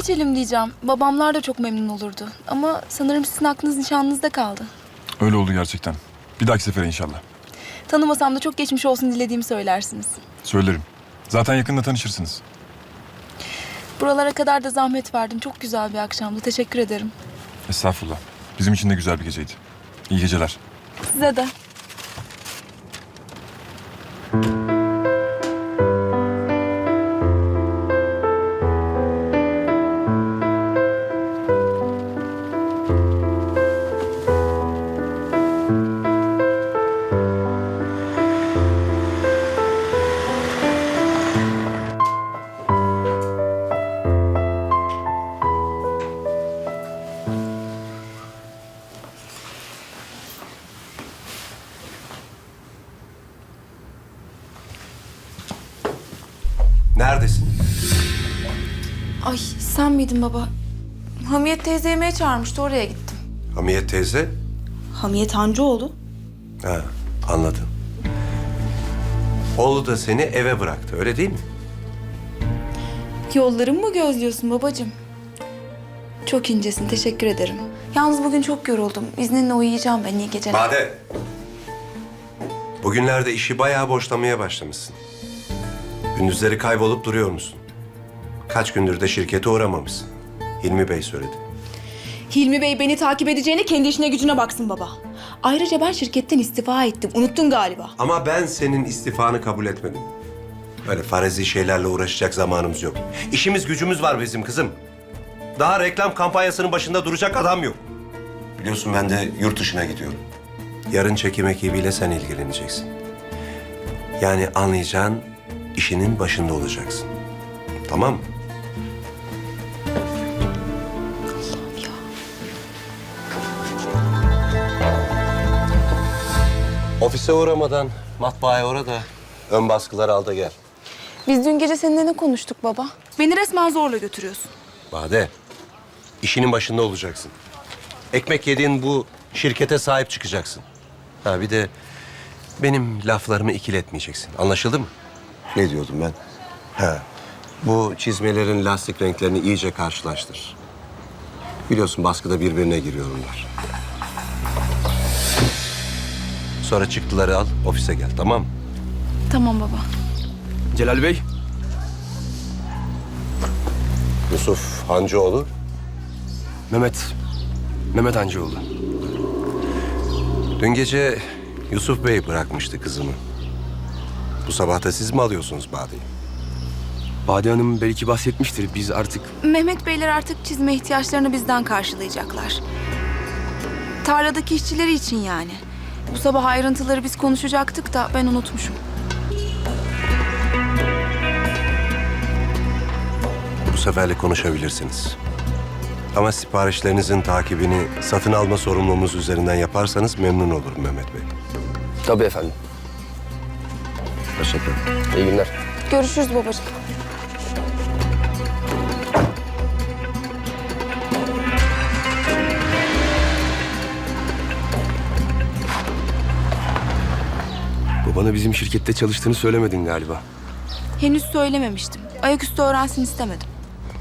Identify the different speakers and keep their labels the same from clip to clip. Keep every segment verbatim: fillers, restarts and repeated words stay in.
Speaker 1: geçelim diyeceğim. Babamlar da çok memnun olurdu. Ama sanırım sizin aklınız nişanlınızda kaldı.
Speaker 2: Öyle oldu gerçekten. Bir dahaki sefere inşallah.
Speaker 1: Tanımasam da çok geçmiş olsun dilediğimi söylersiniz.
Speaker 2: Söylerim. Zaten yakında tanışırsınız.
Speaker 1: Buralara kadar da zahmet verdim. Çok güzel bir akşamdı. Teşekkür ederim.
Speaker 2: Estağfurullah. Bizim için de güzel bir geceydi. İyi geceler.
Speaker 1: Size de.
Speaker 3: Neredesin?
Speaker 1: Ay sen miydin baba? Hamiyet teyze yemeğe çağırmıştı. Oraya gittim.
Speaker 3: Hamiyet teyze?
Speaker 1: Hamiyet Hancıoğlu.
Speaker 3: Ha, anladım. Oğlu da seni eve bıraktı, öyle değil mi?
Speaker 1: Yollarımı mı gözlüyorsun babacığım? Çok incesin. Teşekkür ederim. Yalnız bugün çok yoruldum. İzninle uyuyacağım ben. İyi geceler.
Speaker 3: Bade! Bugünlerde işi bayağı boşlamaya başlamışsın. Gündüzleri kaybolup duruyor musun? Kaç gündür de şirkete uğramamışsın. Hilmi Bey söyledi.
Speaker 1: Hilmi Bey beni takip edeceğine kendi işine gücüne baksın baba. Ayrıca ben şirketten istifa ettim. Unuttun galiba.
Speaker 3: Ama ben senin istifanı kabul etmedim. Öyle farezi şeylerle uğraşacak zamanımız yok. İşimiz gücümüz var bizim kızım. Daha reklam kampanyasının başında duracak adam yok. Biliyorsun ben de yurt dışına gidiyorum. Yarın çekim ekibiyle sen ilgileneceksin. Yani anlayacağın işinin başında olacaksın. Tamam mı?
Speaker 1: Allah'ım ya.
Speaker 3: Ofise uğramadan matbaaya uğra da ön baskıları al da gel.
Speaker 1: Biz dün gece seninle ne konuştuk baba? Beni resmen zorla götürüyorsun.
Speaker 3: Bade, işinin başında olacaksın. Ekmek yediğin bu şirkete sahip çıkacaksın. Ha bir de benim laflarımı ikiletmeyeceksin. Anlaşıldı mı? Ne diyordum ben? Ha, bu çizmelerin lastik renklerini iyice karşılaştır. Biliyorsun baskıda birbirine giriyor bunlar. Sonra çıktıları al, ofise gel, tamam mı?
Speaker 1: Tamam baba.
Speaker 4: Celal Bey.
Speaker 3: Yusuf Hancıoğlu.
Speaker 4: Mehmet. Mehmet Hancıoğlu.
Speaker 3: Dün gece Yusuf Bey bırakmıştı kızımı. Bu sabah da siz mi alıyorsunuz Bade'yi?
Speaker 4: Bade Hanım belki bahsetmiştir. Biz artık...
Speaker 1: Mehmet Beyler artık çizme ihtiyaçlarını bizden karşılayacaklar. Tarladaki işçileri için yani. Bu sabah ayrıntıları biz konuşacaktık da ben unutmuşum.
Speaker 3: Bu seferle konuşabilirsiniz. Ama siparişlerinizin takibini satın alma sorumluluğumuz üzerinden yaparsanız memnun olurum Mehmet Bey.
Speaker 4: Tabii efendim.
Speaker 3: Teşekkür ederim.
Speaker 4: İyi günler.
Speaker 1: Görüşürüz babacığım.
Speaker 4: Babana bizim şirkette çalıştığını söylemedin galiba.
Speaker 1: Henüz söylememiştim. Ayaküstü öğrensin istemedim.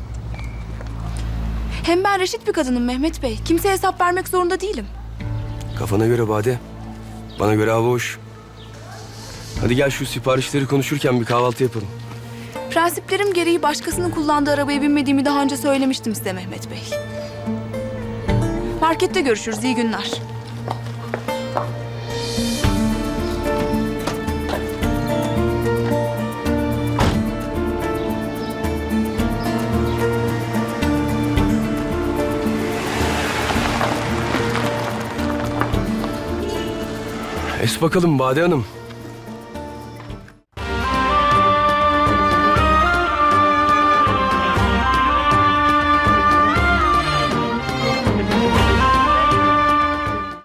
Speaker 1: Hem ben reşit bir kadınım Mehmet Bey. Kimseye hesap vermek zorunda değilim.
Speaker 4: Kafana göre Bade. Bana göre hava hoş. Hadi gel şu siparişleri konuşurken bir kahvaltı yapalım.
Speaker 1: Prensiplerim gereği başkasının kullandığı arabaya binmediğimi daha önce söylemiştim size Mehmet Bey. Markette görüşürüz. İyi günler.
Speaker 4: Es bakalım Bade Hanım.